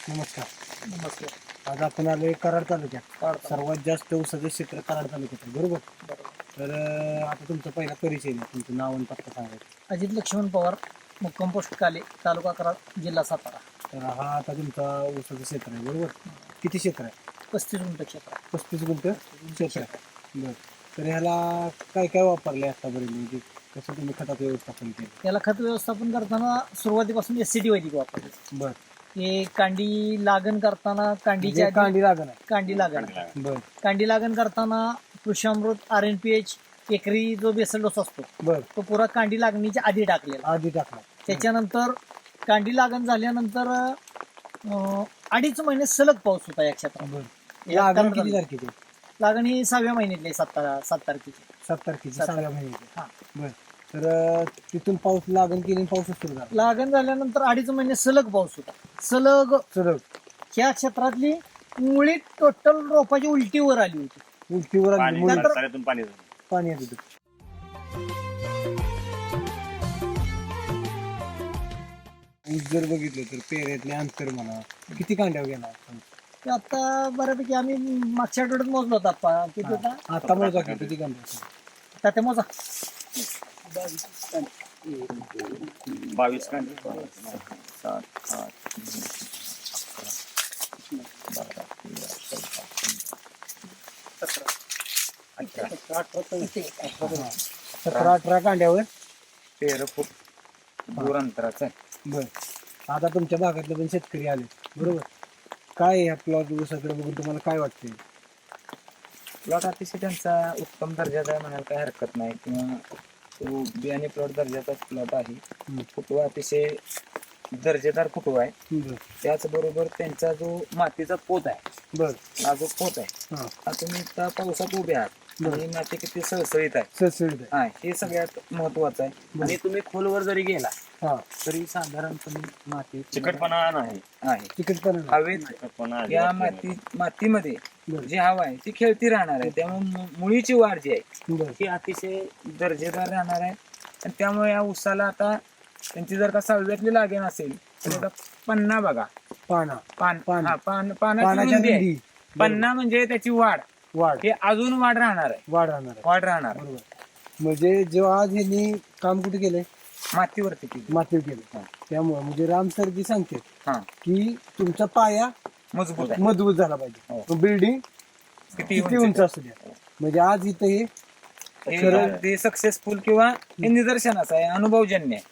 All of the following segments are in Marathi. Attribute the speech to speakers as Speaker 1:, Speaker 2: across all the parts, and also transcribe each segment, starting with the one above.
Speaker 1: नमस्कार.
Speaker 2: नमस्कार.
Speaker 1: आज आपण आलोय कराड तालुक्यात.
Speaker 2: काढता.
Speaker 1: सर्वात जास्त ऊसाचं क्षेत्र कराड तालुक्यात आहे, बरोबर?
Speaker 2: बरोबर.
Speaker 1: तर आता तुमचा पहिला परिचय द्या, तुमचं नाव आणि पत्ता सांगायचं.
Speaker 2: अजित लक्ष्मण पवार, मुक्काम पोस्ट काले, तालुका कराड, जिल्हा सातारा.
Speaker 1: तर हा आता तुमचा ऊसाचं क्षेत्र आहे, बरोबर? किती क्षेत्र आहे?
Speaker 2: 35 गुंठ क्षेत्र आहे.
Speaker 1: 35 गुंठ क्षेत्र आहे. बरं. तर ह्याला काय काय वापरले आतापर्यंत, म्हणजे कसं तुम्ही खताचं व्यवस्थापन केलं?
Speaker 2: याला खत व्यवस्थापन करताना सुरुवातीपासून SCT वैदिक वापरले.
Speaker 1: बरं.
Speaker 2: हे कांडी लागण करताना कांडीच्या
Speaker 1: म्हणजे
Speaker 2: आधी
Speaker 1: कांडी लागण आहे.
Speaker 2: कांडी लागण
Speaker 1: बरं
Speaker 2: कांडी लागण करताना कृषामृत RNPH एकरी जो बेसल डोस असतो
Speaker 1: बरं.
Speaker 2: तो पुरा कांडी लागणीच्या आधी टाकलेला.
Speaker 1: आधी टाकला.
Speaker 2: त्याच्यानंतर कांडी लागण झाल्यानंतर 2.5 महिने सलग पाऊस होता या क्षेत्रात.
Speaker 1: बरं. लागण किती तारखेची?
Speaker 2: लागण ही 6व्या महिन्यातली 7 तारखेची.
Speaker 1: 7 तारखेची, 6व्या महिन्याची.
Speaker 2: हा.
Speaker 1: बरं. तर तिथून पाऊस लागण केली, पाऊसच सुरू झाला.
Speaker 2: लागण झाल्यानंतर 2.5 महिने सलग पाऊस होता. सलग ह्या क्षेत्रातली मुळी टोटल रोपाची उलटीवर आली होती.
Speaker 1: उलटीवर आली, मुळी
Speaker 2: नंतर
Speaker 1: पाणी येत होतं. ऊस जर बघितलं तर पेऱ्यातले अंतर म्हणा, किती कांड्यावर गेला
Speaker 2: ते आता बऱ्यापैकी आम्ही मागच्या आठवड्यात मोजलो होता आप्पा. किती होता
Speaker 1: आता मोजा की किती कांड्यावर?
Speaker 2: आता ते मोजा
Speaker 3: 22 कांडे 7 8
Speaker 1: 17-18 कांड्यावर
Speaker 3: 13 फूट दूर अंतराचा आहे.
Speaker 1: बर. आता तुमच्या भागातले पण शेतकरी आले, बरोबर? काय ह्या प्लॉट ऊसाकडे बघून तुम्हाला काय वाटतंय?
Speaker 3: प्लॉट अतिशय त्यांचा उत्तम दर्जाचा आहे म्हणायला काही हरकत नाही, किंवा तो बियाणे प्लॉट दर्जाचाच प्लॉट आहे. फुटवा अतिशय दर्जेदार फुटवा आहे.
Speaker 1: बर
Speaker 3: त्याचबरोबर त्यांचा जो मातीचा पोत आहे,
Speaker 1: बर.
Speaker 3: हा जो पोत आहे,
Speaker 1: हा,
Speaker 3: हा तुम्ही त्या पावसात उभे आहात आणि माती किती सळसळीत आहे,
Speaker 1: सळसळीत आहे.
Speaker 3: हा, हे सगळ्यात महत्वाचं आहे. आणि तुम्ही खोलवर जरी गेला
Speaker 1: हा,
Speaker 3: तरी साधारणपणे माती
Speaker 4: चिकटपणा नाही
Speaker 3: आहे.
Speaker 1: तिकीट
Speaker 3: हवेत
Speaker 4: चिकटपणा
Speaker 3: या मातीमध्ये
Speaker 1: बर
Speaker 3: जी हवा आहे ती खेळती राहणार आहे. त्यामुळे मुळीची वाढ जी आहे
Speaker 1: बर
Speaker 3: ती अतिशय दर्जेदार राहणार आहे. आणि त्यामुळे या ऊसाला आता त्यांची जर का 6व्यातली लागण असेल तर आता पन्ना बघा,
Speaker 1: पाना पान.
Speaker 3: पानाची
Speaker 1: पानाच्या
Speaker 3: रुंदी आहे.
Speaker 1: रुंदी.
Speaker 3: पन्ना म्हणजे त्याची वाढ,
Speaker 1: वाढ
Speaker 3: हे अजून वाढ राहणार आहे.
Speaker 1: वाढ राहणार आहे.
Speaker 3: वाढ राहणार आहे.
Speaker 1: बरोबर. म्हणजे जेव्हा आज ह्यांनी काम कुठे केलंय?
Speaker 3: मातीवरती केली.
Speaker 1: मातीवर केलं. त्यामुळे म्हणजे राम सरजी सांगते
Speaker 3: हा,
Speaker 1: की तुमचा पाया
Speaker 3: मजबूत आहे.
Speaker 1: मजबूत झाला पाहिजे,
Speaker 3: हो.
Speaker 1: बिल्डिंग
Speaker 3: किती
Speaker 1: किती उंच असू द्या. म्हणजे आज इथं हे
Speaker 3: ते सक्सेसफुल किंवा हे निदर्शनाचं आहे, अनुभवजन्य आहे.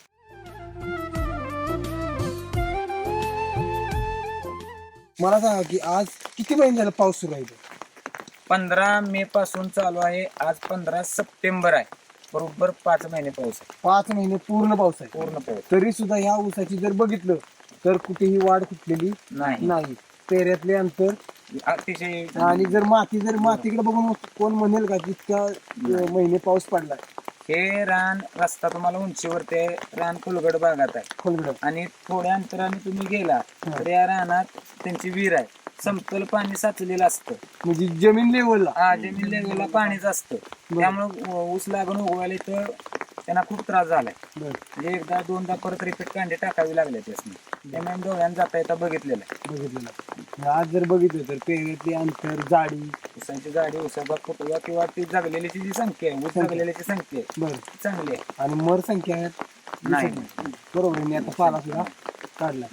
Speaker 1: मला सांगा की आज किती महिने झाला पाऊस सुरू आहे इथं?
Speaker 3: 15 मे पासून चालू आहे. आज 15 सप्टेंबर आहे. बरोबर 5 महिने पाऊस आहे.
Speaker 1: 5 महिने पूर्ण पाऊस आहे.
Speaker 3: पूर्ण पाऊस
Speaker 1: तरी सुद्धा ह्या ऊसाची जर बघितलं तर कुठेही वाढ कुठलेली
Speaker 3: नाही.
Speaker 1: नाही. पेऱ्यातले अंतर
Speaker 3: अतिशय
Speaker 1: आणि जर मातीकडे बघून कोण म्हणेल का की इतक्या महिने पाऊस पडला?
Speaker 3: हे रान रस्ता तुम्हाला उंचीवरती आहे. रान खोलगड भागात आहे
Speaker 1: खोलगड.
Speaker 3: आणि थोड्या अंतराने तुम्ही गेला तर या रानात त्यांची विहीर आहे. समतल पाणी साचलेलं असतं.
Speaker 1: म्हणजे जमीन लेवलला.
Speaker 3: हा, जमीन लेवलला पाणीच असतं. त्यामुळे ऊस लागण उगवायला तर त्यांना खूप त्रास झालाय. म्हणजे एकदा दोनदा परत रिपीट कांडे टाकावी लागले त्यासनी. त्यामुळे डोळ्यानं जाता येता बघितलेलं आहे.
Speaker 1: बघितलेलं. आज जर बघितलं तर पेऱ्यातली अंतर, जाडी,
Speaker 3: ऊसाची जाडी, ऊसाचा फुटवा किंवा ती जगलेल्याची जी संख्या आहे, ऊस जगलेल्याची संख्या आहे
Speaker 1: बरं,
Speaker 3: ती चांगली आहे.
Speaker 1: आणि मर संख्या आहेत
Speaker 3: नाही.
Speaker 1: बरोबर. मी आता पाला सुद्धा काढला.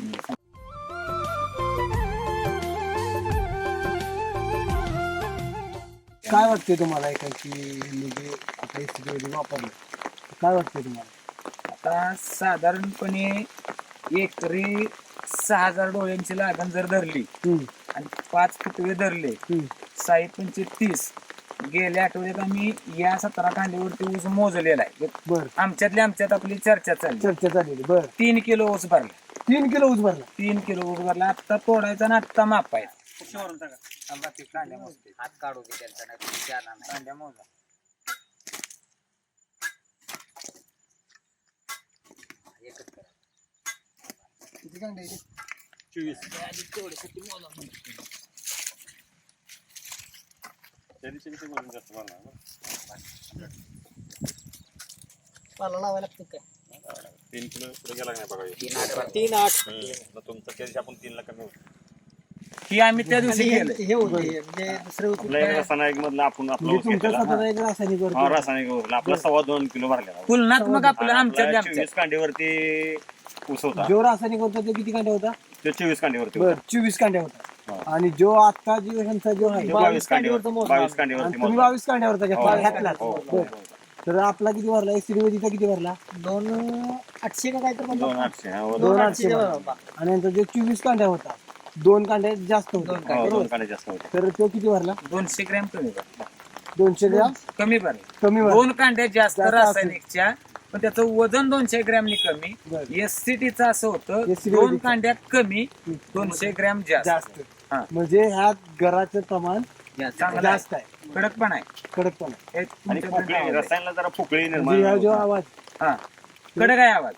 Speaker 1: काय वाटतंय तुम्हाला एकाची म्हणजे आता स्थिती वापरलं, काय वाटतंय तुम्हाला?
Speaker 3: आता साधारणपणे एकरी 6,000 डोळ्यांची लागण जर धरली आणि 5 फुटवे धरले, 6×5 = 30. गेल्या आठवड्यात आम्ही या 17 कांडीवरती ऊस मोजलेला आहे.
Speaker 1: बर.
Speaker 3: आमच्यात आपली चर्चा
Speaker 1: चाललेली. बर.
Speaker 3: 3 किलो ऊस भरला.
Speaker 1: 3 किलो ऊस भरला.
Speaker 3: 3 किलो ऊस भरला. आत्ता तोडायचा आणि आत्ता मापायचा. हात काढू दे त्यांचा, कांड्या मोजा.
Speaker 1: किती कांडे आहेत?
Speaker 4: 24 त्या दिवशी किती वजन जास्त भरणार?
Speaker 2: पाला लावायला लागतो काय?
Speaker 4: 3 किलो पुढे गेला नाही बघा.
Speaker 2: 3-8
Speaker 4: मग तुमचं त्या दिवशी आपण 3 ला कमी होतो.
Speaker 3: ही आम्ही त्या दिवशी
Speaker 2: आणि
Speaker 3: केलं.
Speaker 2: हे होते म्हणजे दुसरे होते
Speaker 4: आपल्या एक रासायनिक मधलं आपण आपलं
Speaker 1: म्हणजे
Speaker 4: ऊस
Speaker 1: तुमच्या
Speaker 4: घेतलेला.
Speaker 1: स्वतःचा एक रासायनिक
Speaker 4: हा,
Speaker 1: वरती
Speaker 4: रासायनिक ऊस. आपला 2.25 किलो भरलेला.
Speaker 3: तुलनात्मक आपलं आमच्या
Speaker 4: 24 कांडीवरती ऊस होता.
Speaker 1: जो रासायनिक होता तो किती कांड्या होता?
Speaker 4: तो 24 कांडीवरती
Speaker 1: बर
Speaker 4: होता.
Speaker 1: 24 कांड्या होता.
Speaker 4: हा.
Speaker 1: आणि जो आता ह्यांचा जो आहे
Speaker 4: तो
Speaker 2: 22
Speaker 4: 22
Speaker 2: कांडीवरती
Speaker 4: कांडीवरती
Speaker 2: मोजला.
Speaker 4: 22 कांडीवरती
Speaker 1: आणि तुम्ही
Speaker 4: मोजला.
Speaker 1: 22 कांड्यावरचा
Speaker 4: हो,
Speaker 1: घेतला
Speaker 4: हो,
Speaker 1: घातला.
Speaker 4: हो, हो,
Speaker 1: बर.
Speaker 4: हो.
Speaker 1: तर आपला किती भरला एसीडीचा किती भरला?
Speaker 2: 2,800 का काय तर
Speaker 4: 2,800 हा, वर.
Speaker 1: 2,800
Speaker 2: 2,800
Speaker 1: भरला. आणि यांचा जो 24 कांड्या होता 2 कांड्या जास्त होता.
Speaker 2: दोन
Speaker 4: हो, 2
Speaker 1: बरोबर.
Speaker 4: कांडे जास्त होते.
Speaker 1: तर तो किती भरला?
Speaker 3: 200 ग्रॅम कमी भरला.
Speaker 1: 200 ग्रॅम
Speaker 3: कमी भरला.
Speaker 1: कमी भरला.
Speaker 3: 2 कांड्या जास्त
Speaker 1: जास्त
Speaker 3: रासायनिकच्या, पण त्याचं वजन 200 ग्रॅमनी कमी.
Speaker 1: बरं.
Speaker 3: एससीटीचं असं होतं
Speaker 1: SCT
Speaker 3: 2 कांड्या कमी 200 ग्रॅम जास्त.
Speaker 1: जास्त.
Speaker 3: हा.
Speaker 1: म्हणजे ह्यात गराचं प्रमाण
Speaker 3: चांगलं आहे.
Speaker 1: जास्त आहे.
Speaker 3: कडक पण आहे.
Speaker 1: कडक पण आहे.
Speaker 3: हे
Speaker 4: आणि
Speaker 3: तुमच्यापर्यंत
Speaker 4: पोकळी,
Speaker 3: आवाज आहे.
Speaker 4: रसायनाला जरा पोकळी निर्माण
Speaker 1: म्हणजे ह्या जो
Speaker 4: होतात.
Speaker 1: आवाज
Speaker 3: हा, कडक आहे आवाज.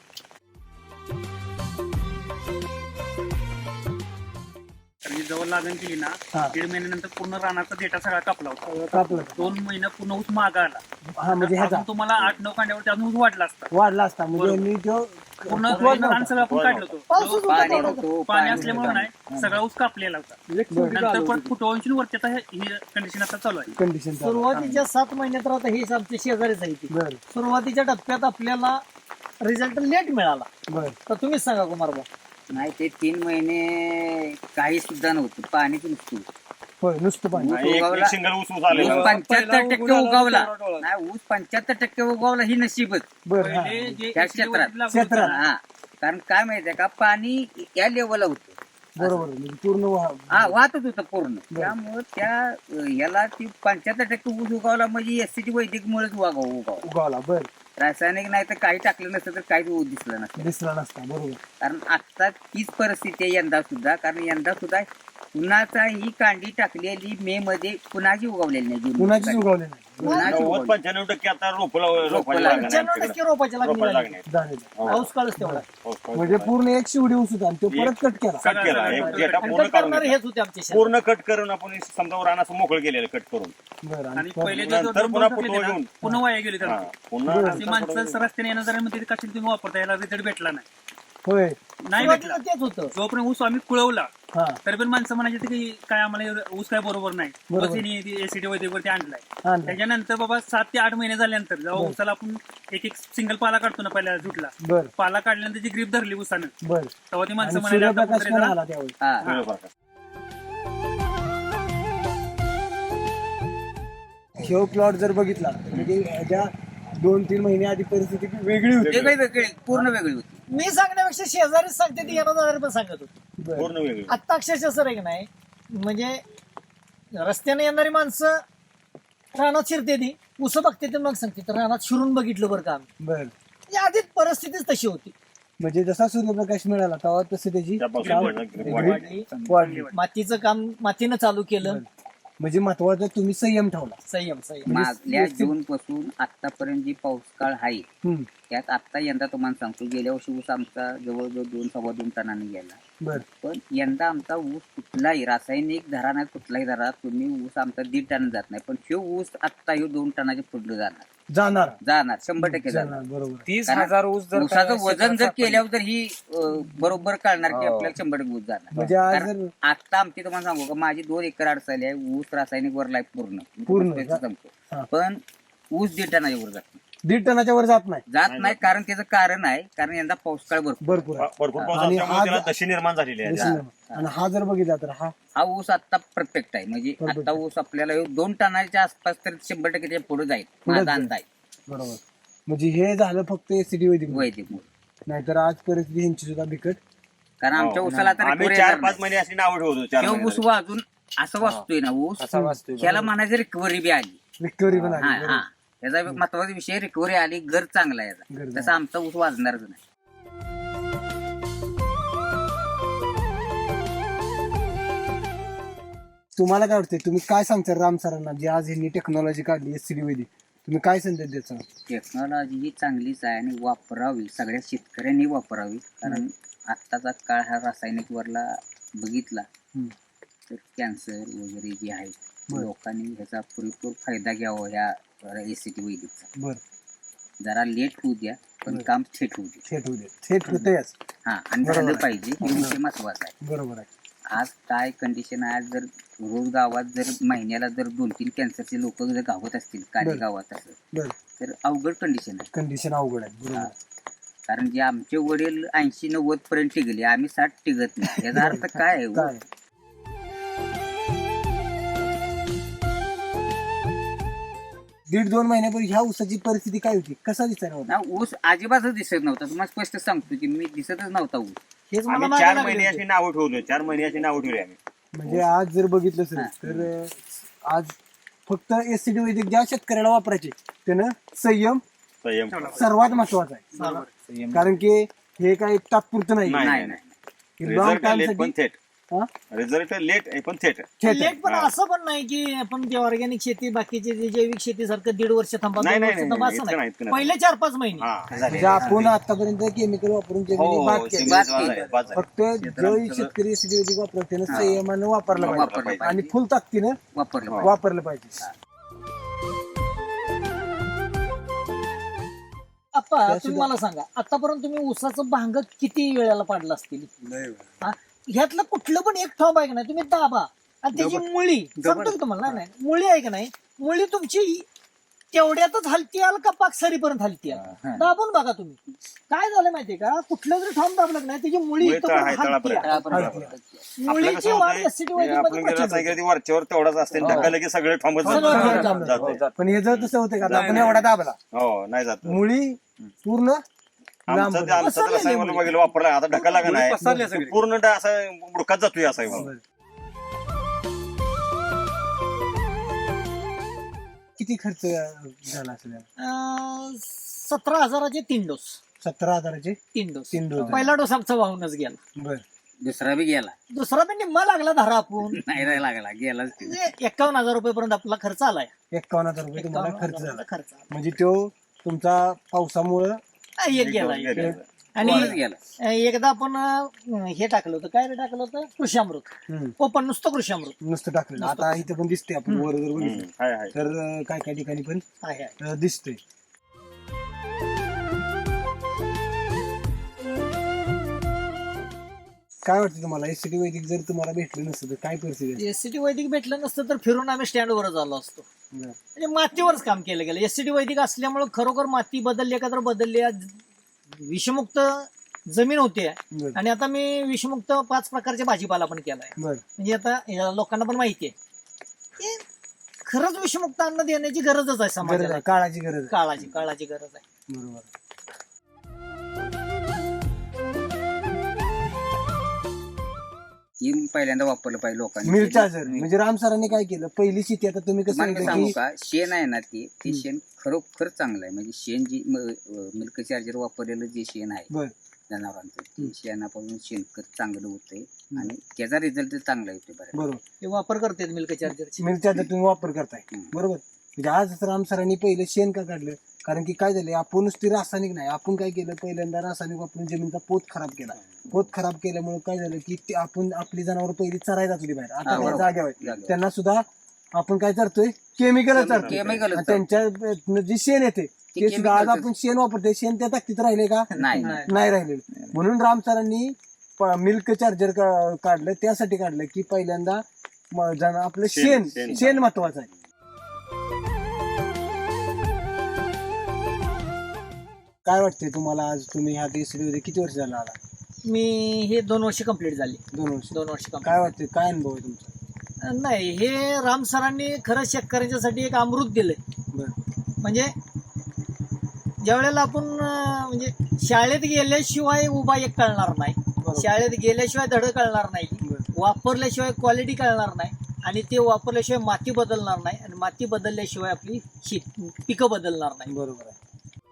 Speaker 5: आणि जवळ लागण केली ना
Speaker 1: हा.
Speaker 5: 1.5 महिन्यानंतर पूर्ण रानाचा डेटा सगळा कापला होता.
Speaker 1: कापलं.
Speaker 5: 2 महिने पूर्ण ऊस मागा आला.
Speaker 1: हा म्हणजे ह्याचा
Speaker 5: अजून तुम्हाला 8-9 कांड्यावरती अजून ऊस वाढला असता.
Speaker 1: वाढला असता म्हणजे
Speaker 5: बरोबर.
Speaker 1: मी जो
Speaker 5: पूर्ण
Speaker 1: वाढला
Speaker 5: रान
Speaker 1: होता.
Speaker 5: सगळं आपण काढलं
Speaker 2: पाऊसच
Speaker 5: होतं.
Speaker 2: होता
Speaker 3: पाणी
Speaker 2: तेवढा.
Speaker 3: होतं,
Speaker 5: पाणी
Speaker 3: पाणी
Speaker 5: असल्यामुळे
Speaker 3: होतं.
Speaker 5: नाही सगळा ऊस कापलेला होता. नंतर परत फुटवून वरती आता ही कंडिशन आता चालू आहे.
Speaker 1: कंडिशन
Speaker 2: सुरुवातीच्या 7 महिन्यात तर आता हेच आमचे शेजारीच आहे ते.
Speaker 1: बर
Speaker 2: सुरुवातीच्या टप्प्यात आपल्याला रिझल्ट लेट मिळाला.
Speaker 1: बर
Speaker 2: तर तुम्हीच सांगा कुमारबा.
Speaker 6: नाही ते 3 महिने काही सुद्धा नव्हतं पाणीच नुसतं
Speaker 1: होय नुसतं पाणी
Speaker 4: आणि एक सिंगल ऊस ऊस आलेला.
Speaker 6: ऊस 75% उगवला नाही ऊस 75% उगवला ही नशीबच
Speaker 1: बर हा.
Speaker 5: पहिले जे
Speaker 6: त्या
Speaker 5: SCT
Speaker 6: क्षेत्रात.
Speaker 5: वरती लागलं
Speaker 1: क्षेत्रात.
Speaker 5: होतं,
Speaker 6: हा कारण काय माहितीये का पाणी या लेवलला होतं
Speaker 1: बरोबर म्हणजे पूर्ण
Speaker 6: हा वाहतच होतं पूर्ण त्यामुळं त्या याला ती 75% ऊस उगवला म्हणजे एससीटी वैदिक मुळेच उगावला
Speaker 1: उगावला बर
Speaker 6: रासायनिक नाही तर काही टाकलं नसतं तर काहीच ऊस दिसलं नसतं
Speaker 1: दिसला नसता बरोबर
Speaker 6: कारण आता तीच परिस्थिती आहे यंदा सुद्धा कारण यंदा सुद्धा पुन्हाचा ही कांडी टाकलेली मे मध्ये कुणाची उगवलेली नाही जून
Speaker 1: कुणाचीच
Speaker 6: मध्ये.
Speaker 1: उगवले नाही
Speaker 6: कुणाची
Speaker 4: 90-95% आता रोपाला
Speaker 6: रोपाला
Speaker 4: लागणार
Speaker 2: 95% रोपाच्या लागणी
Speaker 4: रोपाला
Speaker 2: झाली.
Speaker 4: लागणार.
Speaker 1: झालेलं.
Speaker 2: पाऊस काळच तेवढा.
Speaker 1: म्हणजे पूर्ण एक शिवडी ऊस होता आणि तो परत कट केला
Speaker 4: कट केला एक डेटा
Speaker 2: आणि
Speaker 4: पूर्ण
Speaker 2: कट
Speaker 4: काढून
Speaker 2: करणारे
Speaker 4: घेतला.
Speaker 2: हेच होते आमचे शेजारी.
Speaker 4: पूर्ण कट करून आपण समजा रानाचं मोकळं केलेलं कट करून.
Speaker 1: बरं
Speaker 5: आणि
Speaker 1: आणि
Speaker 5: पहिले
Speaker 1: परत-
Speaker 5: जे
Speaker 4: नंतर
Speaker 5: 2
Speaker 4: पुन्हा
Speaker 5: टाकले
Speaker 4: फुटवा
Speaker 5: ना,
Speaker 4: घेऊन.
Speaker 5: पुन्हा वाया गेले
Speaker 4: हा,
Speaker 5: त्याला.
Speaker 4: पुन्हा
Speaker 5: अशी माणसं रस्त्याने येणार मध्ये कशाने तुम्ही वापरता याला रिझल्ट भेटला नाही.
Speaker 1: होय
Speaker 5: नाही
Speaker 2: सुरुवातीला
Speaker 5: भेटला.
Speaker 2: तेच होतं.
Speaker 5: जोपर्यंत ऊस आम्ही कुळवला
Speaker 1: हा
Speaker 5: तरी पण माणसं म्हणायची की काय आम्हाला ऊस काय बरोबर नाही.
Speaker 1: बरोबर.
Speaker 5: बस हिने एसीटी वरती आणलाय.
Speaker 1: आणलं.
Speaker 5: त्याच्यानंतर बाबा 7 ते 8 महिने झाल्यानंतर जेव्हा ऊसाला आपण एक सिंगल पाला काढतो ना पहिल्या झुटला
Speaker 1: बर
Speaker 5: पाला काढल्यानंतर जी ग्रीप धरली ऊसानं
Speaker 1: बर
Speaker 5: तेव्हा ती माणसं
Speaker 1: आणि
Speaker 5: म्हणायला आता
Speaker 1: सूर्यप्रकाश
Speaker 5: कुठेतरी
Speaker 1: पण
Speaker 5: जरा-
Speaker 1: आला त्यावेळी
Speaker 6: हा
Speaker 4: सूर्यप्रकाश.
Speaker 1: ह्यो प्लॉट जर बघितला म्हणजे ह्याच्या 2-3 महिने आधी परिस्थिती वेगळी होती
Speaker 6: वेगळी वेगळी पूर्ण वेगळी होती
Speaker 2: मी सांगण्यापेक्षा शेजारीच सांगते ती येणार जाणारे पण सांगत होते.
Speaker 1: बरं.
Speaker 4: पूर्ण वेगळी.
Speaker 2: आत्ता अक्षरशः सर आहे की नाही म्हणजे रस्त्याने येणारी माणसं रानात शिरते ती उस बघते ते मग सांगते तर रानात शिरून बघितलं बरं का आम्ही.
Speaker 1: बर
Speaker 2: म्हणजे आधीच परिस्थितीच तशी होती.
Speaker 1: म्हणजे जसा सूर्यप्रकाश मिळाला तेव्हा तसं त्याची
Speaker 4: त्यापासून
Speaker 1: काम
Speaker 4: वाढलं, grip वाढली.
Speaker 2: वाढली.
Speaker 1: वाढली
Speaker 2: मातीचं काम मातीनं चालू केलं.
Speaker 1: म्हणजे महत्वाचं तुम्ही संयम ठेवला
Speaker 2: संयम
Speaker 6: मागल्या जून पासून आतापर्यंत जी पाऊस काळ आहे
Speaker 1: हम्म.
Speaker 6: त्यात आता यंदा तुम्हाला सांगतो गेल्या वर्षी ऊस आमचा जवळजवळ 2-2.25 टनाने गेला
Speaker 1: बर
Speaker 6: पण यंदा आमचा ऊस कुठलाही रासायनिक धरा नाही कुठलाही धरा तुम्ही ऊस आमचा 1.5 टन जात नाही पण ह्यो ऊस आत्ता ह्यो 2 टनाच्या पुढलं
Speaker 1: जाणार
Speaker 6: जाणार 100% जाणार
Speaker 1: जाणार बरोबर
Speaker 3: 30,000 ऊस जर
Speaker 6: ऊसाचं वजन जर
Speaker 3: क्षेत्रात
Speaker 6: केल्यावर तर ही बरोबर कळणार की आपल्याला 100% ऊस जाणार
Speaker 1: म्हणजे आज
Speaker 6: कारण
Speaker 1: जर
Speaker 6: आता आमची तुम्हाला सांगू का माझी 2 एकर अडचणी आहे ऊस रासायनिक वर लाईफ पूर्ण मी
Speaker 1: पूर्ण,
Speaker 6: तुम्हाला
Speaker 1: हा.
Speaker 6: सांगतो पण ऊस 1.5 टनाच्या वर जात नाही.
Speaker 1: 1.5 टनाच्या वर जात नाही
Speaker 6: जात नाही कारण त्याचं कारण आहे कारण यंदा पाऊस काळ भरपूर
Speaker 1: भरपूर आहे.
Speaker 4: भरपूर पाऊस
Speaker 1: आणि
Speaker 4: असल्यामुळे
Speaker 1: हा
Speaker 4: त्याला
Speaker 1: ज-
Speaker 4: दशी निर्माण झालेली आहे.
Speaker 1: आणि हा जर बघितला तर हा
Speaker 6: हा ऊस आता परफेक्ट आहे म्हणजे
Speaker 1: Perfect
Speaker 6: आता ऊस आपल्याला 2 टनाच्या आसपास तर 100% त्याच्या पुढे जाईल
Speaker 1: पुढंच
Speaker 6: माझा
Speaker 1: जाईल.
Speaker 6: अंदाज आहे
Speaker 1: बरोबर म्हणजे हे झालं फक्त एसीडी वैदिक
Speaker 6: वैदिक मूळ
Speaker 1: नाहीतर आज परिस्थिती ह्यांची सुद्धा बिकट
Speaker 6: कारण आमच्या ऊसाला तर
Speaker 4: आम्ही
Speaker 6: recovery
Speaker 4: 4-5
Speaker 6: येणार नाही.
Speaker 4: महिने अशी नाव ठेवतो 4
Speaker 6: तो
Speaker 4: महिने
Speaker 6: ऊस वाजून असं वाचतोय ना ऊस
Speaker 3: असा वाचतोय
Speaker 6: त्याला म्हणायचं रिकव्हरी बी आली
Speaker 1: विक्टोरी पण
Speaker 6: हा
Speaker 1: आली
Speaker 6: हा
Speaker 1: बरोबर.
Speaker 6: याचा एक महत्वाचा विषय रिकव्हरी आली घर चांगला आहे
Speaker 1: घर
Speaker 6: याचा तसा आमचा ऊस वाजणारच नाही
Speaker 1: तुम्हाला काय वाटतंय तुम्ही काय सांगता राम सरांना जे आज ह्यांनी टेक्नॉलॉजी काढली एसीडी वैदिक तुम्ही काय संदेश द्यायचा
Speaker 6: टेक्नॉलॉजी ही चांगलीच आहे आणि वापरावी सगळ्या शेतकऱ्यांनी वापरावी कारण आत्ताचा काळ हा रासायनिक वरला बघितला
Speaker 1: हम्म.
Speaker 6: तर कॅन्सर वगैरे जे आहे
Speaker 1: बरं.
Speaker 6: लोकांनी ह्याचा पुरेपूर फायदा घ्यावा ह्या एसीटी वैदिकचा
Speaker 1: बर
Speaker 6: जरा लेट होऊ द्या पण
Speaker 1: बरं.
Speaker 6: काम थेट होऊ द्या
Speaker 1: थेट होऊ दे थेट होतेच
Speaker 6: हा आणि
Speaker 1: बरोबर
Speaker 6: झालं
Speaker 1: आहे.
Speaker 6: पाहिजे हे विषय महत्वाचा आहे
Speaker 1: बरोबर आहे
Speaker 6: आज काय कंडिशन आहे, आज जर रोज गावात जर महिन्याला जर 2-3 कॅन्सरचे लोक जर गावात असतील काही
Speaker 1: बरं.
Speaker 6: गावात असं
Speaker 1: बरं.
Speaker 6: तर अवघड कंडिशन आहे.
Speaker 1: कंडिशन अवघड आहे बरोबर.
Speaker 6: कारण जे आमचे वडील 80-90 पर्यंत टिकले, आम्ही 60 टिकत नाही. याचा अर्थ काय आहे?
Speaker 1: काय 1.5-2 महिन्यापूर्वी ह्या ऊसाची परिस्थिती काय होती, कसा दिसायला होता?
Speaker 6: ना ऊस अजिबातच दिसत नव्हता. तुम्हाला स्पष्ट सांगतो की मी दिसतच नव्हता ऊस.
Speaker 2: हेच मला
Speaker 4: आम्ही
Speaker 2: मागे
Speaker 4: 4
Speaker 2: लागले
Speaker 4: महिने
Speaker 2: होते.
Speaker 4: अशी नावं ठेवली 4 महिने अशी नावं ठेवली आम्ही.
Speaker 1: म्हणजे आज जर बघितलं सर तर आज फक्त एससीडी वैदिक ज्या शेतकऱ्याला वापरायचे त्यानं संयम
Speaker 4: संयम
Speaker 1: सर्वात महत्वाचा आहे. कारण की हे काही तात्पुरतं नाही.
Speaker 4: नाही,
Speaker 6: नाही नाही
Speaker 1: लॉंग
Speaker 4: रिझल्ट लेट पण
Speaker 1: टाइम
Speaker 4: थेट. रिझल्ट लेट पण थेट.
Speaker 2: लेट पण असं पण नाही की आपण ते ऑर्गॅनिक शेती बाकीचे जे जैविक शेती सारखं 1.5 वर्ष थांबा,
Speaker 4: नाही,
Speaker 2: 2
Speaker 4: नाही,
Speaker 2: वर्ष
Speaker 4: नाही,
Speaker 2: थांबा
Speaker 4: नाही,
Speaker 2: असं
Speaker 4: इतकं
Speaker 2: नाही.
Speaker 4: नाही, इतकं नाही.
Speaker 2: पहिले 4-5 महिने
Speaker 4: हा
Speaker 1: म्हणजे आपण आतापर्यंत केमिकल वापरून
Speaker 4: हो,
Speaker 1: जमिनी
Speaker 4: हो,
Speaker 1: बाद
Speaker 4: हो,
Speaker 1: केली.
Speaker 6: बाद
Speaker 4: शेती
Speaker 6: केली.
Speaker 4: बाद झाली.
Speaker 1: फक्त जो शेतकरी एससीडी वैदिक वापरत त्यानं संयमानं वापरलं
Speaker 6: वापरलं
Speaker 1: पाहिजे
Speaker 6: पाहिजे.
Speaker 1: आणि फुल ताकदीनं
Speaker 6: वापरलं पाहिजे.
Speaker 1: वापरलं पाहिजे.
Speaker 2: आप्पा तुम्ही मला सांगा, आतापर्यंत तुम्ही ऊसाचं भांग किती वेळेला पाडलं असतील? हा? ह्यातलं कुठलं पण एक ठोंब आहे का नाही तुम्ही दाबा आणि त्याची मुळी सांगतो की तुम्हाला, नाही मुळी आहे का नाही, मुळी तुमची तेवढ्यातच हलती आल का पाकसरीपर्यंत हलती आल, दाबून बघा तुम्ही. काय झालं माहितीये का, कुठलं जरी ठोंब दाबलं का नाही त्याची मुळी
Speaker 4: मुळी
Speaker 2: इथपर्यंत
Speaker 4: आहे,
Speaker 2: हलती
Speaker 4: तळापर्यंत.
Speaker 2: आहे.
Speaker 6: आपण
Speaker 1: हलती.
Speaker 4: आपलं
Speaker 2: मुळीची
Speaker 4: कसं
Speaker 2: वाढ
Speaker 4: होतंय,
Speaker 2: एससीडी वैदिक
Speaker 4: आपण
Speaker 2: मध्ये
Speaker 4: गेलं
Speaker 2: प्रचंड
Speaker 4: सांगितलं ती वरच्यावर तेवढाच असते ढकललं की सगळे थांबत
Speaker 2: सगळं
Speaker 1: थांबत
Speaker 4: जाते.
Speaker 1: पण हे जर तसं होतं का आता आपण एवढा दाबला
Speaker 4: हो नाही जात.
Speaker 1: मुळी पूर्ण लांब
Speaker 4: आमचं ते आमचं
Speaker 2: पसरलेली
Speaker 4: रसायन
Speaker 2: मुळी.
Speaker 4: वगैरे वापरला आता ढकलला का नाही
Speaker 5: पसरल्या सगळी.
Speaker 4: पूर्ण असा बुडकात जातोय असा आहे.
Speaker 1: किती खर्च झाला असेल
Speaker 2: 17,000चे 3 डोस.
Speaker 1: 17,000चे
Speaker 2: 3 डोस.
Speaker 1: 3 डोस.
Speaker 2: पहिला डोस आमचा वाहूनच गेला,
Speaker 1: बर.
Speaker 6: दुसरा बी गेला
Speaker 2: दुसरा पण निम्मा लागला धरा आपण.
Speaker 6: नाही नाही लागला गेलाच ते.
Speaker 2: म्हणजे 51,000 रुपयेपर्यंत आपला खर्च आलाय.
Speaker 1: 51,000 रुपये तुम्हाला
Speaker 2: 51,000
Speaker 1: खर्च झाला.
Speaker 2: खर्च आला.
Speaker 1: म्हणजे तो तुमचा पावसामुळं
Speaker 2: एक गेला एक.
Speaker 4: गेला.
Speaker 2: आणि
Speaker 6: वाढत गेला.
Speaker 2: एकदा आपण हे टाकलं होतं, काय रे टाकलं होतं, कृषामृत. ओपन नुसतं कृषामृत
Speaker 1: नुसतं टाकलेलं. आता इथे पण दिसते आपण वर जर बघितलं
Speaker 4: हाय हाय.
Speaker 1: तर काय काय ठिकाणी पण
Speaker 2: आहे.
Speaker 1: दिसते. काय वाटतं तुम्हाला एससीडी वैदिक जर तुम्हाला भेटलं नसतं तर काय परिस्थिती आहे?
Speaker 2: एससीटी वैदिक भेटलं नसतं तर फिरून आम्ही स्टँडवरच आलो असतो.
Speaker 1: बरं.
Speaker 2: म्हणजे मातीवरच काम केलं गेलं. एससीटी वैदिक असल्यामुळे खरोखर माती बदलली का तर बदलली. आज विषमुक्त जमीन होती
Speaker 1: बरं.
Speaker 2: आणि आता मी विषमुक्त 5 प्रकारचे भाजीपाला पण केलाय.
Speaker 1: बरं.
Speaker 2: म्हणजे आता या लोकांना पण माहिती आहे की खरंच विषमुक्त अन्न देण्याची गरजच आहे
Speaker 1: गरज
Speaker 2: समाजाला.
Speaker 1: आहे, काळाची गरज आहे.
Speaker 2: काळाची गरज आहे.
Speaker 1: बरोबर.
Speaker 6: ही पहिल्यांदा वापरलं पाहिजे लोकांनी.
Speaker 1: मिल्क चार्जर म्हणजे राम सरांनी काय केलं, पहिली शेती आता तुम्ही कसं
Speaker 6: मला
Speaker 1: म्हणता
Speaker 6: सांगू
Speaker 1: की
Speaker 6: का, शेण आहे ना ते शेण खरोखर चांगलं आहे. म्हणजे शेण जी मिल्क चार्जर वापरलेलं जे शेण आहे
Speaker 1: बरं.
Speaker 6: जनावरांचं ते शेणापासून शेणखत चांगलं होतंय आणि त्याचा रिझल्ट चांगला येतोय बरं.
Speaker 1: बरोबर.
Speaker 2: ते वापर करतात मिल्क चार्जरची.
Speaker 1: मिल्क चार्जर तुम्ही वापर करताय बरोबर. म्हणजे आज राम सरांनी पहिलं शेण का काढलं, कारण की काय झालं, आपण नुसती रासायनिक नाही, आपण काय केलं पहिल्यांदा रासायनिक वापरून जमिनीचा पोत खराब केला. पोत खराब केल्यामुळे काय झालं की ते आपण आपली जनावर पहिली चरायला जात होती बाहेर, आता त्या जाग्यावर आहेत. त्यांना सुद्धा आपण काय करतोय, केमिकल चालतोय.
Speaker 6: Chemical च
Speaker 1: त्यांच्या जे शेण येते ते सुद्धा आज आपण शेण वापरतोय, शेण त्या ताकदीत राहिले का?
Speaker 6: नाही
Speaker 1: नाही राहिले. म्हणून राम सरांनी मिल्क चार्जर काढलं. त्यासाठी काढलं की पहिल्यांदा आपलं शेण महत्वाचं आहे. काय वाटतंय तुम्हाला, आज तुम्ही ह्या देशमध्ये किती वर्ष झाला आला?
Speaker 2: मी हे 2 वर्ष कंप्लीट झाली.
Speaker 1: 2 वर्ष.
Speaker 2: 2 वर्ष complete.
Speaker 1: काय वाटतंय, काय अनुभव आहे तुमचा?
Speaker 2: नाही, हे राम सरांनी खरंच शेतकऱ्यांच्यासाठी एक अमृत दिलंय.
Speaker 1: बरं.
Speaker 2: म्हणजे ज्या वेळेला आपण म्हणजे शाळेत गेल्याशिवाय उभा एक कळणार नाही, शाळेत गेल्याशिवाय धड कळणार नाही, वापरल्याशिवाय क्वालिटी कळणार नाही आणि ते वापरल्याशिवाय माती बदलणार नाही आणि माती बदलल्याशिवाय आपली पिकं बदलणार नाही.
Speaker 1: बरोबर आहे.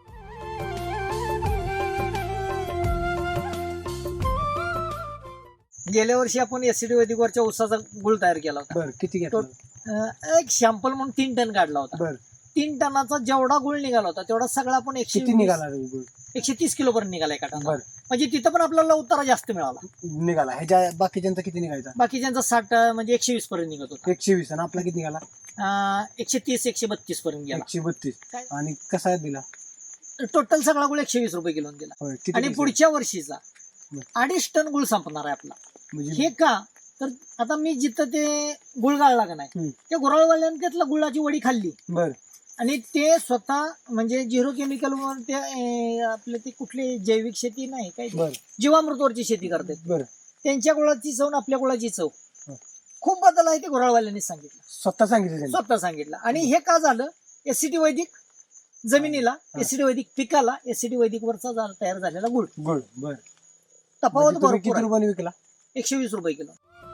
Speaker 2: गेल्या वर्षी आपण एससीडी वैदिकवरच्या ऊसाचा गुळ तयार केला होता.
Speaker 1: बरं. किती घेतलं?
Speaker 2: एक सॅम्पल म्हणून 3 टन काढला होता.
Speaker 1: बरं.
Speaker 2: 3 टनाचा जेवढा गुळ निघाला होता तेवढा सगळा आपण
Speaker 1: किती निघाला गुळ?
Speaker 2: 130 किलो पर्यंत निघाला एका टनाला.
Speaker 1: बरं.
Speaker 2: म्हणजे तिथं पण आपल्याला उतारा जास्त मिळाला.
Speaker 1: निघाला. ह्याच्या बाकीच्यांचा किती निघायचा?
Speaker 2: बाकीच्यांचा 60 म्हणजे 120 पर्यंत निघत होता.
Speaker 1: 120. आणि आपला किती निघाला?
Speaker 2: 130-132 पर्यंत गेला.
Speaker 1: 132.
Speaker 2: काय?
Speaker 1: आणि कसा दिला?
Speaker 2: टोटल सगळा गुळ 120 रुपये किलो दिला.
Speaker 1: होय. किती
Speaker 2: आणि
Speaker 1: दिवसात?
Speaker 2: पुढच्या वर्षीचा 2.5 टन गुळ संपणार आहे आपला.
Speaker 1: म्हणजे
Speaker 2: हे का तर आता मी जिथं ते गुळ गाळला का नाही
Speaker 1: हम्म.
Speaker 2: त्या गुराळवाल्याने त्यातला गुळाची वडी खाल्ली
Speaker 1: बर
Speaker 2: आणि ते स्वतः म्हणजे झिरो केमिकल ते आपले ते कुठली जैविक शेती नाही काय
Speaker 1: बर
Speaker 2: जीवामृतवरची शेती करतात
Speaker 1: बर
Speaker 2: त्यांच्या गुळाची चव आणि आपल्या गुळाची चव
Speaker 1: हं.
Speaker 2: खूप बदल आहे ते गुराळवाल्यांनी सांगितलं
Speaker 1: स्वतः सांगितलं त्यांनी.
Speaker 2: स्वतः सांगितलं आणि हे का झालं एससीटी वैदिक जमिनीला
Speaker 1: हा.
Speaker 2: एससीटी वैदिक पिकाला एससीटी वैदिक वरचा तयार झालेला गुळ
Speaker 1: गुळ बर
Speaker 2: तफावत
Speaker 1: म्हणजे तुम्ही
Speaker 2: भरपूर
Speaker 1: किती
Speaker 2: आहे.
Speaker 1: रुपयाने विकला
Speaker 2: 120 रुपये किलो.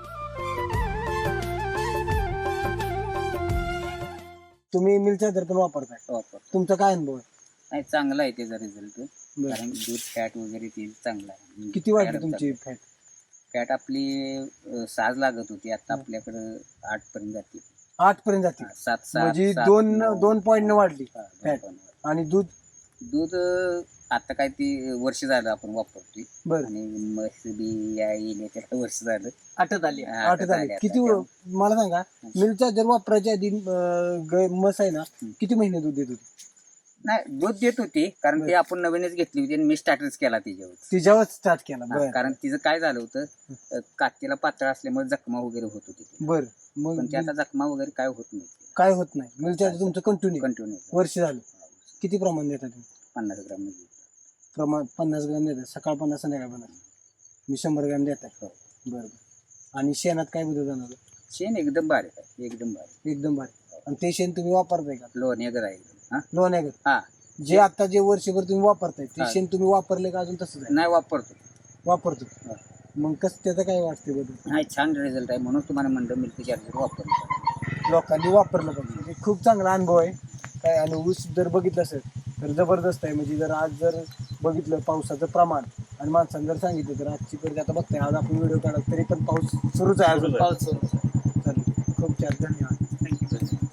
Speaker 1: तुम्ही मिलचा दर पण वापरताय
Speaker 6: वापर
Speaker 1: तुमचा काय अनुभव आहे
Speaker 6: नाही चांगला आहे त्याचा रिझल्ट
Speaker 1: बरं.
Speaker 6: कारण दूध फॅट वगैरे ते चांगला आहे
Speaker 1: किती वाढली तुमची फॅट
Speaker 6: फॅट आपली 6 लागत होती आता आपल्याकडे 8 पर्यंत जाते
Speaker 1: 8 पर्यंत जाते
Speaker 6: 7
Speaker 1: म्हणजे दोन पॉईंट वाढली फॅट आणि दूध
Speaker 6: दूध आता काय ती वर्ष झालं आपण वापरतोय
Speaker 1: बर
Speaker 6: आणि म्हस बी या येणे त्याला वर्ष झालं
Speaker 2: आटत आली आहे.
Speaker 1: आठ झाले किती मला सांगा मिलचा जर वापरायच्या आधी म्हस आहे ना किती महिने दूध देत होती
Speaker 6: नाही दूध देत होती कारण ते आपण नवीनच घेतली होती आणि मी स्टार्टच केला त्याच्यावर
Speaker 1: तिच्यावर स्टार्ट केला बर
Speaker 6: कारण तिचं काय झालं होतं कातीला पातळ असल्यामुळे जखमा वगैरे होत होती
Speaker 1: बर
Speaker 6: पण
Speaker 1: मग
Speaker 6: ते आता जखमा वगैरे काय होत नाही
Speaker 1: काय होत नाही मिलच्या आधी तुमचं कंटिन्यू
Speaker 6: कंटिन्यू
Speaker 1: वर्ष झालं किती प्रमाण देता तुम्ही
Speaker 6: 50 ग्राम मध्ये
Speaker 1: प्रमाण 50 ग्रॅम देतात सकाळ 50 संध्याकाळ 50 मी 100 ग्रॅम देत आहे बरं आणि शेणात काय बदल जाणार
Speaker 6: शेण एकदम बारीक आहे एकदम बारीक
Speaker 1: एकदम भारी आणि ते शेण तुम्ही वापरताय का
Speaker 6: लोण्यागर आहे एकदम. हा
Speaker 1: लोण्यागत
Speaker 6: हा
Speaker 1: जे आता जे वर्षभर तुम्ही वापरताय ते
Speaker 6: हा.
Speaker 1: शेण तुम्ही वापरले का अजून तसंच आहे
Speaker 6: नाही वापरतो
Speaker 1: वापरतो
Speaker 6: हा.
Speaker 1: मग कसं त्याचं काय वाटते बदल
Speaker 6: नाही छान रिझल्ट आहे म्हणून तुम्हाला म्हणलं मिल्क चार्जर वापरतो
Speaker 1: लोकांनी वापरलं पाहिजे हे खूप चांगला अनुभव आहे काय आणि ऊस जर बघितलं असेल तर जबरदस्त आहे म्हणजे जर आज जर बघितलं पावसाचं प्रमाण आणि माणसाने जर सांगितलं तर आजची परिस्थिती आता बघताय आज आपण व्हिडिओ काढा तरी पण पाऊस सुरूच आहे अजून
Speaker 2: पाऊस सुरू.
Speaker 1: चालेल खूप छान धन्यवाद
Speaker 5: थँक्यू